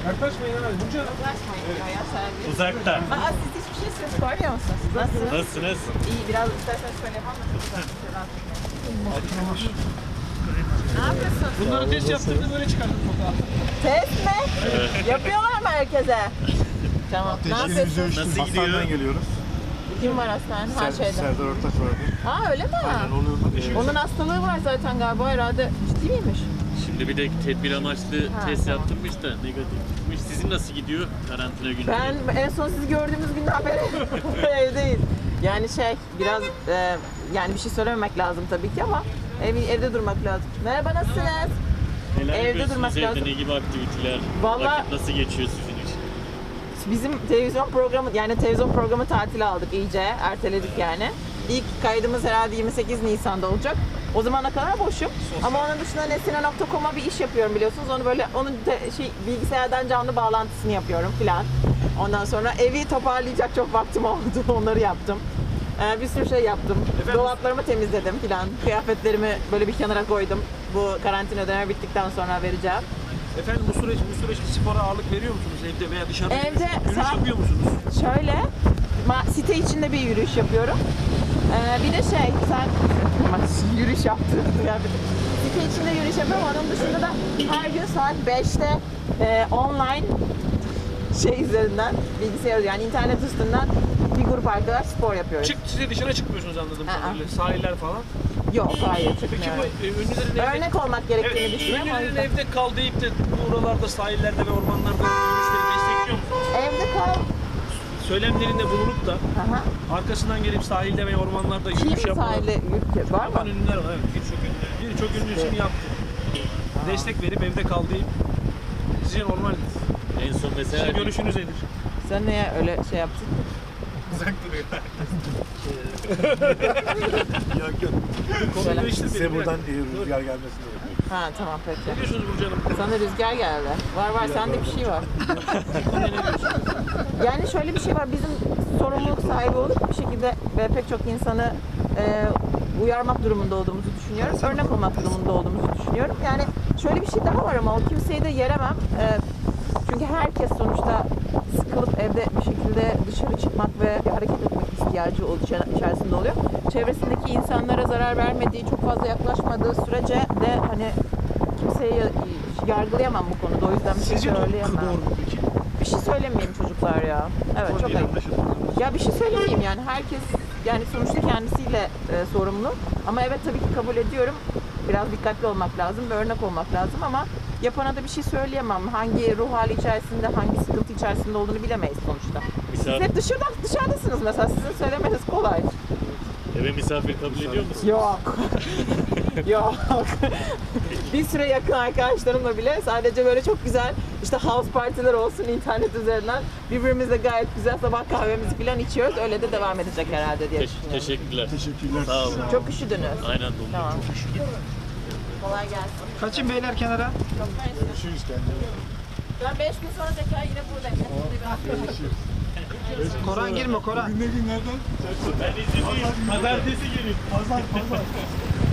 Yaklaşmayın abi. Burcu. Yaklaşmayın ya sen. Uzakta. Aa siz hiçbir şey ses koymuyor musunuz? Nasılsınız? Nasılsınız? İyi biraz isterseniz şöyle yapalım mı? Ne yapıyorsun? Bunları test yaptığımda böyle çıkardım fotoğrafı. Test mi? Yapıyorlar mı herkese? Tamam. Ne yapıyorsun? Nasıl gidiyor? Hastaneden geliyoruz. Kim var hastanede? Ha şeyde. Serdar Ortaç vardı. Aa öyle mi? Aynen onun Onun hastalığı var zaten galiba herhalde. Ciddi miymiş? Şimdi bir de tedbir amaçlı test tamam. yaptırmış da negatif çıkmış. Sizin nasıl gidiyor karantina günleri? Ben en son sizi gördüğümüz günden beri evdeyiz. Yani biraz yani bir şey söylememek lazım tabii ki ama evde durmak lazım. Merhaba nasılsınız? Neler evde yapıyorsunuz durmak evde? lazım. Ne gibi aktiviteler? Vallahi- Vakit nasıl geçiyor sizin için? Bizim televizyon programı tatile aldık iyice. Erteledik yani. İlk kaydımız herhalde 28 Nisan'da olacak. O zamana kadar boşum. Ama onun dışında nesine.com'a bir iş yapıyorum biliyorsunuz. Onu böyle bilgisayardan canlı bağlantısını yapıyorum filan. Ondan sonra evi toparlayacak çok vaktim oldu. Onları yaptım. Bir sürü şey yaptım. Dolaplarımı temizledim filan. Kıyafetlerimi böyle bir kenara koydum. Bu karantina dönemi bittikten sonra vereceğim. Efendim bu süreçte spora ağırlık veriyor musunuz evde veya dışarıda? Evde yürüyüş yapıyor musunuz? Şöyle, site içinde bir yürüyüş yapıyorum. Bir de sen yürüyüş yaptın. Yani site içinde yürüyüş yapıyorum. Onun dışında da her gün saat 5'te online üzerinden, bilgisayar yani internet üstünden bir grup arkadaş spor yapıyoruz. Size dışarı çıkmıyorsunuz anladığım Aa. kadarıyla. Sahiller falan. Yok, hayır Peki çıkmıyorum. bu ünlülerin Örnek olmak gerektiğini evet, düşünüyorum. o ünlülerin yüzden. evde kal deyip de buralarda, sahillerde ve ormanlarda yürüyüşleri destekliyor musunuz? Evde kal. Söylemlerinde bulunup da Aha. arkasından gelip sahilde ve ormanlarda Kim yürüyüş yapmalar. sahile yürüyüş var Yapan mı? ünlüler var evet. Birçok ünlü için yaptı. Destek verip evde kal deyip sizce normal mi? En son mesela Sizin görüşünüz nedir? Sen niye öyle şey yaptın? uzak duruyor. Yok yok. Konuyu Söyle. değiştirmeyelim. Size bir buradan dakika. rüzgar gelmesini bekliyoruz. Ha tamam peki. Ne diyorsunuz Burcu Hanım? Sana rüzgar geldi. Var sende bir şey var. Yani şöyle bir şey var. Bizim sorumluluk sahibi olup bir şekilde ve pek çok insanı uyarmak durumunda olduğumuzu düşünüyorum. Örnek olmak durumunda olduğumuzu düşünüyorum. Yani şöyle bir şey daha var ama o kimseyi de yeremem. Çünkü herkes sonuçta sıkılıp evde bir şekilde dışarı çıkmak ve hareket etmek ihtiyacı içerisinde oluyor. Çevresindeki insanlara zarar vermediği, çok fazla yaklaşmadığı sürece de hani kimseyi yargılayamam bu konuda. O yüzden bir şey Sizce söyleyemem. doğru mu peki? Bir şey söylemeyeyim çocuklar ya. Evet çok ayıp. Ya bir şey söylemeyeyim yani herkes yani sonuçta kendisiyle sorumlu. Ama evet tabii ki kabul ediyorum. Biraz dikkatli olmak lazım ve örnek olmak lazım ama yapana da bir şey söyleyemem. Hangi ruh hali içerisinde, hangi sıkıntı içerisinde olduğunu bilemeyiz sonuçta. Siz hep dışarıdasınız mesela. Sizin söylemeniz kolay. eve misafir kabul ediyor musunuz? Yok. Yok. Bir süre yakın arkadaşlarımla bile sadece böyle çok güzel işte house partiler olsun internet üzerinden birbirimizle gayet güzel sabah kahvemizi falan içiyoruz. Öyle de devam edecek herhalde diye düşünüyorum. Teşekkürler. Teşekkürler. Sağ olun. Çok üşüdünüz. Aynen dolu. Tamam. Kolay gelsin. Kaçın beyler kenara. Çok mersi. Görüşürüz kendine. Ben 5 gün sonra tekrar yine buradayım. Koran girme Koran. Ne günlerden? Ben izinliyim. Pazartesi gelin. Pazar.